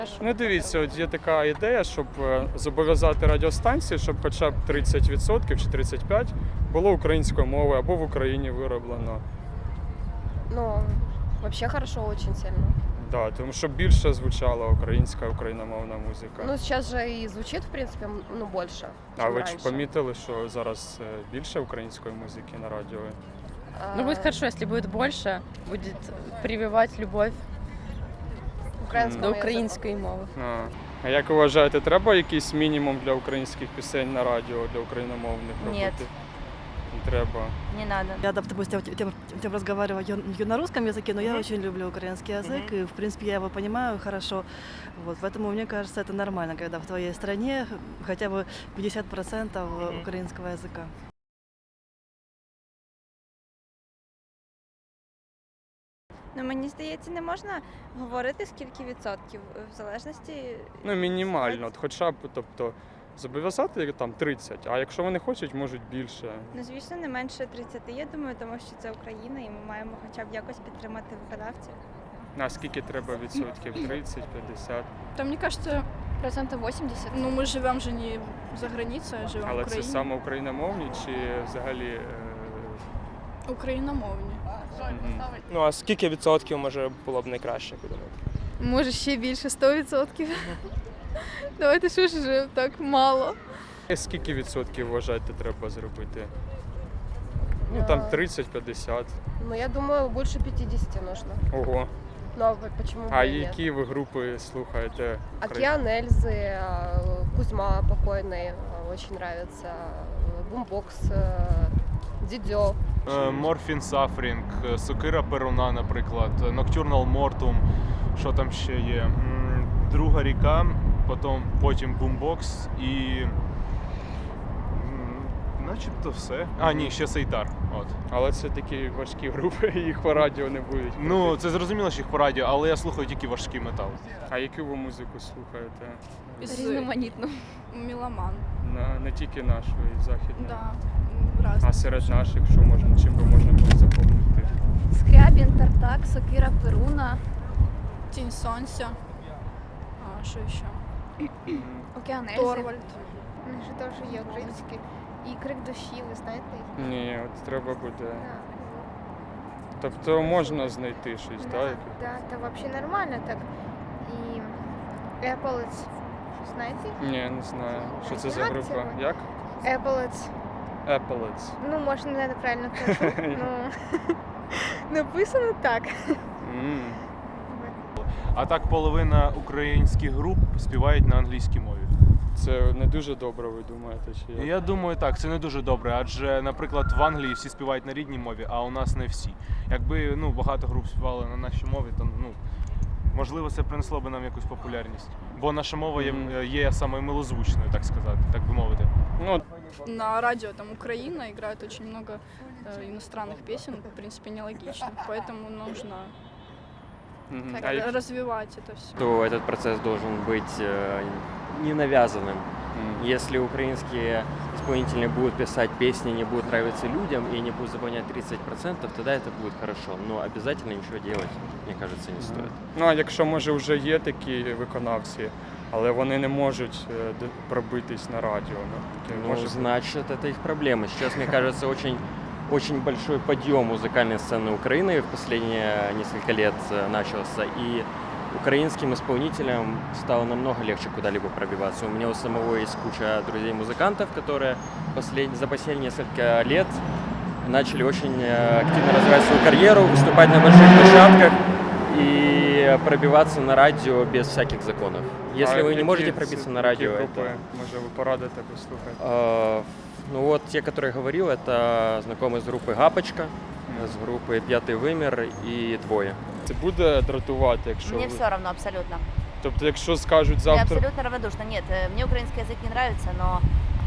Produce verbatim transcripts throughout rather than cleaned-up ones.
Ну дивіться, от є така ідея, щоб зобов'язати радіостанції, щоб хоча б тридцять відсотків чи тридцять п'ять відсотків було українською мовою або в Україні вироблено. Ну, вообще хорошо очень сильно. Да, тому що більше звучала українська, україномовна музика. Ну, сейчас же и звучит, в принципе, м- ну, больше, А чем ви раньше. ж помітили, що зараз е, більше української музики на радіо? А, Ну, будет хорошо, если будет больше, будет прививать любовь украинскому до языку. української мови. А, а як ви вважаєте, треба якийсь мінімум для українських пісень на радіо, для україномовних робити? Нет. Не треба. Не надо. Я, допустим, тем, тем разговариваю я на русском языке, но я Мгм. очень люблю украинский язык, Мгм. и, в принципе, я его понимаю хорошо. Вот, поэтому мне кажется, это нормально, когда в твоей стране хотя бы пятьдесят процентов Мгм. украинского языка. Ну, мені здається, не можна говорити скільки відсотків в залежності. Ну, мінімально, от хоча б, тобто, зобов'язати там тридцять, а якщо вони хочуть, можуть більше. Ну, звісно, не менше тридцяти, я думаю, тому що це Україна, і ми маємо хоча б якось підтримати виконавців. А скільки треба відсотків? тридцять, п'ятдесят? Там, мне кажется, Процентов восемьдесят. ну мы живем же не за границей, а живем Але в це Україні. саме україномовні чи взагалі? е, Україномовні. мгм. Ну а скільки відсотків може було б найкраще, як ви думаєте? Може ще більше, сто відсотків. Давайте що ж вже так мало. Е, Скільки відсотків вважаєте треба зробити? Ну там А. тридцять-п'ятдесят. Ну, я думаю, больше пятидесяти нужно. Ого. Ну, а вот почему бы А и нет? які ви групи слухаєте? Океан Эльзы, а, Кузьма покойный, а, очень нравится, а, Бумбокс, а, Дидё. Морфін Сафрінг, Сокира Перуна, наприклад, Ноктюрнал Мортум, що там ще є. М, Друга ріка, потім, потім Бумбокс і. м, Начебто все. А, ні, ще Сейтар. От. Але це такі важкі групи, їх по радіо не будуть. Ну, крутити. це зрозуміло, що їх по радіо, але я слухаю тільки важкий метал. А яку ви музику слухаєте? Із Різноманітно. Меломан. На, не тільки нашу, і західну. Да, разные. А серед наших, що можна, чим би можна було запомнити? Скрябін, Тартак, Сокира, Перуна. Тінь Сонця. А, що ще? Океан Торвальд. У них же теж є українські. І крик душі, ви знаєте їх? Ні, от треба буде. Тобто можна знайти щось, так? яке? Да, це взагалі нормально так. І Еполец, знаєте? Ні, не знаю. Що це за Як група? це? Як? Еполец. Appalachian. Ну, може, не неправильно кажу. Ну, написано так. М. А так половина українських груп співають на англійській мові. Це не дуже добре, ви думаєте, чи як? Я думаю, так, це не дуже добре, адже, наприклад, в Англії всі співають на рідній мові, а у нас не всі. Якби ну, багато груп співали на нашій мові, то ну, можливо це принесло би нам якусь популярність. Бо наша мова є, Мгм. є самою милозвучною, так сказати, так би мовити. Ну, На радио там Украина играет очень много э, иностранных песен, в принципе, нелогично. Поэтому нужно мгм. так, А як- развивать это все. То этот процесс должен быть э, не навязанным. М. Если украинские исполнители будут писать песни, не будут нравиться людям и не будут заполнять тридцать процентов, тогда это будет хорошо. Но обязательно ничего делать, мне кажется, не стоит. Ну, а якщо, може, вже є такі виконавці, але вони не можуть е, д- пробитись на радіо, ну, таке Ну, може бути. значит, это их проблема. Сейчас, мне кажется, очень, очень большой подъем музыкальной сцены Украины в последние несколько лет э, начался. И украинским исполнителям стало намного легче куда-либо пробиваться. У меня у самого есть куча друзей-музыкантов, которые послед... за последние несколько лет начали очень э, активно развивать свою карьеру, выступать на больших площадках и пробиваться на радио без всяких законов. Если А вы не які можете це- пробиться на які радио, групи, это... може, ви порадите послухати? Э, Ну вот те, которые я говорил, это знакомые с группы «Гапочка», с группы «Пятый вымер» и «Двое». Це буде дратувати, якщо Мне ви... все равно абсолютно. Тобто, якщо скажуть Я завтра... абсолютно равнодушна. Нет, э, мне украинский язык не нравится, но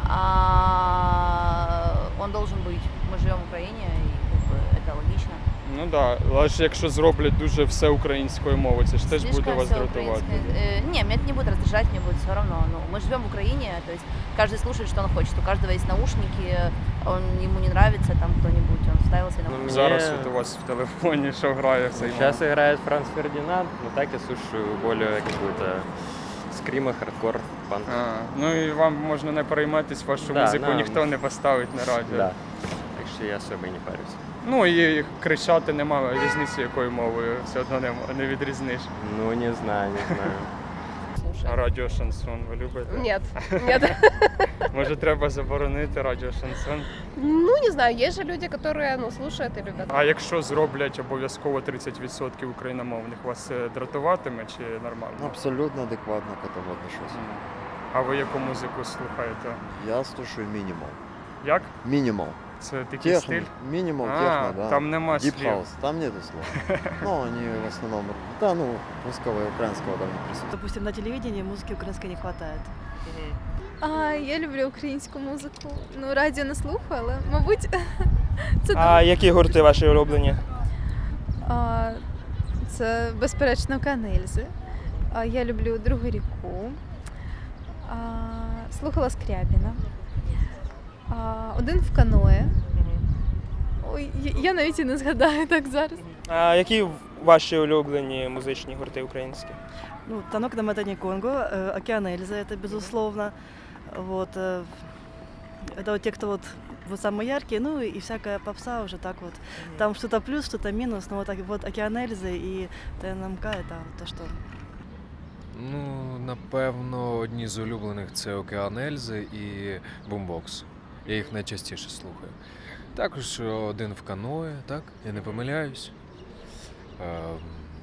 а, он должен быть. Мы живем в Украине, и как бы, это логично. Ну так, да. Але ж якщо зроблять дуже все українською мовою, це ж теж буде Слишком вас всё дратувати. украинское. Э, Не, меня это не будет раздражать, мне будет все равно. Ну, мы живем в Украине, то есть каждый слушает, что он хочет. У каждого есть наушники, он ему не нравится там кто-нибудь, он вставил себе Ну, наушники. Зараз Мне- от у вас в телефоні що грає в цей Сейчас момент? играет Франц Фердинанд, но так я слушаю более какую-то скрима, хардкор, панк. А, ну і вам можна не перейматись, вашу Да, музику нам- ніхто не поставить на радіо. Да. Так что я особо и не парюсь. Ну і кричати немає різниці, якою мовою все одно не, не відрізниш. Ну, не знаю, не знаю. А Слушаю. радіо шансон ви любите? Нет, нет. Може треба заборонити радіо шансон? Ну, не знаю, есть же люди, которые, ну, слушают и любят. А якщо зроблять обов'язково тридцять відсотків україномовних, вас це дратуватиме чи нормально? Абсолютно адекватно к этому отношусь. М. А ви яку музику слухаєте? Я слушаю минимал. Як? Минимал. Це такий Техно. стиль? Минимал, А, техно, да. там нема Deep слів. house, там нету слов. Ну, они в основном, да, ну, русского и украинского там не присутствует. Допустим, на телевидении музыки украинской не хватает. А, я люблю українську музику. Ну, радіо не слухаю, але, мабуть, це А які гурти ваші улюблені? А, це, безперечно, Канельзи. А, я люблю Другу ріку. А, слухала Скрябіна. А, один в каное. Ой, я, я навіть і не згадаю так зараз. А які ваші улюблені музичні гурти українські? Ну, «Танок на Матане Конго», э, «Океан Эльзы» — это безусловно. Вот, э, это вот те, кто вот, вот самые яркие, ну и всякая попса уже так вот. Там что-то плюс, что-то минус, но вот, так, вот «Океан Эльзы» и ТНМК — это вот то, что... Ну, напевно, одні з улюблених це «Океан Ельзи» і «Бумбокс». Я їх найчастіше слухаю. Також один в каное, так? Я не помиляюсь. Ем,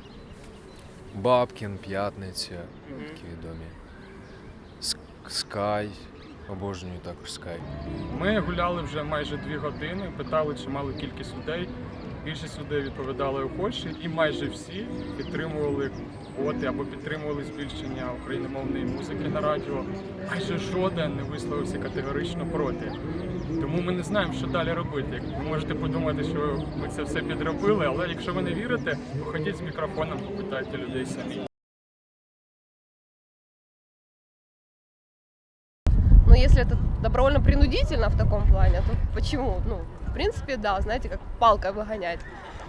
Бабкін, П'ятниця, такі відомі. Ск- Скай, обожнюю також Скай. Ми гуляли вже майже дві години, питали чималу кількість людей. Більшість людей відповідали охоче, і майже всі підтримували квоти або підтримували збільшення україномовної музики на радіо. Майже жоден не висловився категорично проти. Тому ми не знаємо, що далі робити. Ви можете подумати, що ми це все підробили, але якщо ви не вірите, походіть з мікрофоном, попитайте людей самі. Но если это добровольно-принудительно в таком плане, то почему? Ну, в принципе, да, знаете, как палкой выгонять.